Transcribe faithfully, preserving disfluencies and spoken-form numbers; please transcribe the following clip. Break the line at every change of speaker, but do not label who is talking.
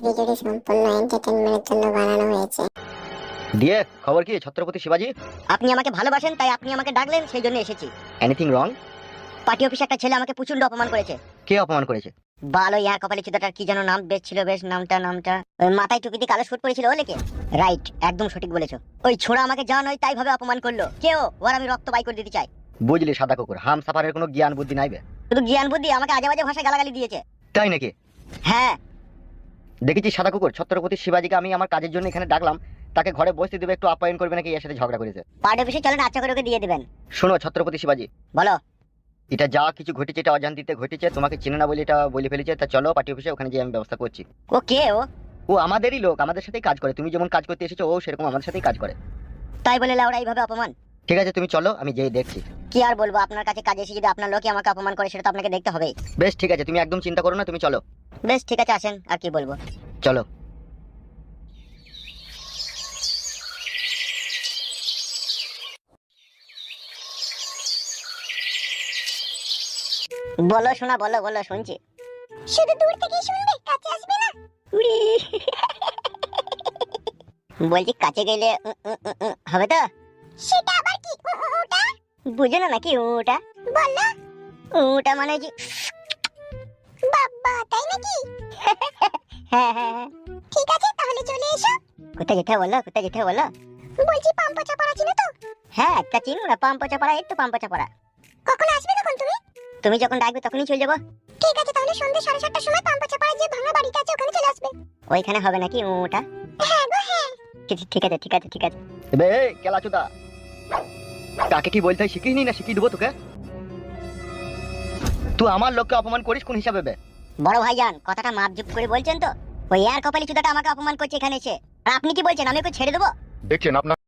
ভিডিওটি সম্পূর্ণ এন্টারটেইনমেন্টের জন্য বানানো হয়েছে।
দিয়ে খবর কি ছত্রপতি শিবাজি?
আপনি আমাকে ভালোবাসেন তাই আপনি আমাকে ডাকলেন, সেই জন্য এসেছি।
Anything wrong?
পার্টি অফিসে একটা ছেলে আমাকে প্রচন্ড অপমান করেছে।
কে অপমান করেছে?
বালো ইয়ার কপালে চুদাটার কি যেন নাম বেশ ছিল, বেশ নামটা নামটা ওই মাথায় টুপি দিয়ে কালো শুট পরেছিল, ও লেকে রাইট, একদম সঠিক বলেছো। ওই ছোড়া আমাকে যা নয় তাই ভাবে অপমান করলো। কেউ ওর আমি রক্ত বাই করে দিতে চাই।
বুঝলি সাদা কুকুর, হাম সাফারের কোনো জ্ঞান বুদ্ধি নাইবে।
শুধু জ্ঞান বুদ্ধি আমাকে আজে বাজে ভাষায় গালাগালি দিয়েছে।
তাই নাকি?
হ্যাঁ
দেখেছি সাদা কুকুর, ছত্রপতি শিবাজিকে আমি আমার কাজের জন্য এখানে ডাকলাম, তাকে ঘরে বসতে দেবে, একটু আপ্যায়ন করবে নাকি এর সাথে ঝগড়া করেছে।
পার্টি অফিসে চলেন, আচ্ছা করে ওকে দিয়ে দিবেন।
শোনো ছত্রপতি শিবাজি,
বলো।
এটা যা কিছু ঘটেছে এটা অজান্তিতে ঘটেছে, তোমাকে চিনে না বলে এটা বলে ফেলেছে। তা চলো পার্টি অফিসে, ওখানে যে আমি ব্যবস্থা করছি।
ও কে? ও
ও আমাদেরই লোক, আমাদের সাথেই কাজ করে। তুমি যেমন কাজ করতে এসেছো ও সেরকম আমাদের সাথেই কাজ করে।
তাই বলে লাউড়া এইভাবে অপমান?
ঠিক আছে তুমি চলো, আমি যেই দেখছি।
কি আর বলবো, আপনার কাছে কাজে এসে যদি আপনার লোকই আমাকে অপমান করে সেটা তো আপনাকে দেখতে হবে।
বেশ ঠিক আছে, তুমি একদম চিন্তা করো না, তুমি চলো।
বেশ ঠিক আছে, আসেন। আর কি বলবো,
চলো।
বলো শোনা, বলো বলো, শুনছি।
শুধু দূর থেকেই শুনবে, কাছে আসবে না?
উড়ি। বলছি কাছে গেলে উম, উম, উম, উম, হবে তো?
সেটা আবার কি? ও- ও- ওটা
বুঝো না নাকি ওটা?
বললা?
ওটা মানে যে
বাবা, তাই নাকি?
হ্যাঁ হ্যাঁ হ্যাঁ।
ঠিক আছে, তাহলে চলে এসো।
কোথায় যেতে বলো, কোথায় যেতে বলো?
বলছি পাম্পচা পাড়া চিনো তো?
হ্যাঁ একটা চিনো না, পাম্পচা পাড়া, একটু পাম্পচা পাড়া।
কখন আসবে তখন তুমি?
তুমি যখন ডাকবে তখনই চলে যাবো।
ঠিক আছে, তাহলে সন্ধ্যে সাড়ে সাতটার সময় পাম্পচা পাড়ায় যে ভাঙা বাড়িটা আছে ওখানে চলে আসবে।
ওইখানে হবে নাকি ওটা?
হ্যাঁ গো হ্যাঁ।
ঠিক- ঠিক আছে ঠিক আছে ঠিক আছে।
এবে এই কেলাচুদা, কাকে কি বলতে হয় শিখিস নি না শিখিয়ে দেবো তোকে? তুই আমার লোককে অপমান করিস কোন হিসাবে বে?
বড় ভাইজান কথাটা মাপজুপ করে বলছেন তো? ওই এর কপালি চুদাটা আমাকে অপমান করছে এখানে এসে, আর আপনি কি বলছেন আমি ওকে ছেড়ে দেবো?
দেখছেন আপনার